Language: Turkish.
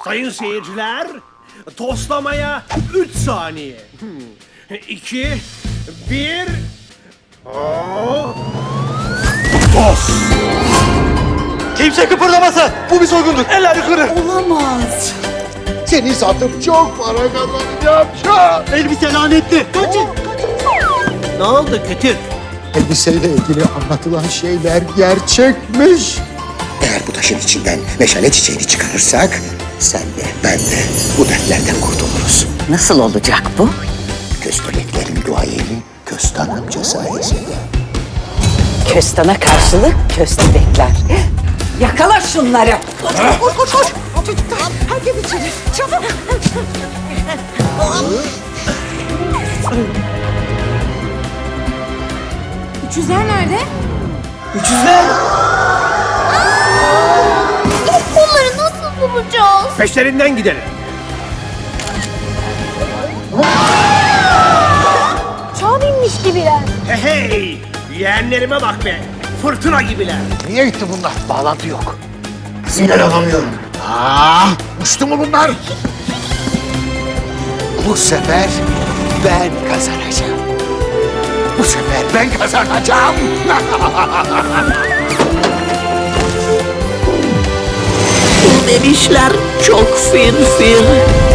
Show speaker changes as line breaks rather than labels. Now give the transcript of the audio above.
Sayın seyirciler, toslamaya 3 saniye. 2, 1... Tost!
Kimse kıpırdamasın. Bu bir soygundur. Eller yukarı.
Olamaz.
Seni satıp çok para kazanacağım şu an.
Elbise lanetli. Kaçın.
Ne oldu kötü?
Elbiseyle ilgili anlatılan şeyler gerçekmiş. Eğer bu taşın içinden meşale çiçeğini çıkarırsak sen de ben de bu dertlerden kurtuluruz.
Nasıl olacak bu?
Köstebeklerin duayeni Köstan amca sayesinde.
Köstana karşılık köstebekler. Yakala şunları. Koş koş koş. Çocuklar herkes içeri. Çabuk.
Üçüzler nerede?
Onları nasıl bulacağız?
Peşlerinden gidelim.
Çağ binmiş gibiler.
Hey! Yeğenlerime bak be! Fırtına gibiler.
Niye gitti bunlar? Bağlantı yok. Sinyal alamıyorum. Uçtu mu bunlar? Bu sefer ben kazanacağım. Bu sefer ben kazanacağım.
Demişler çok fir fir.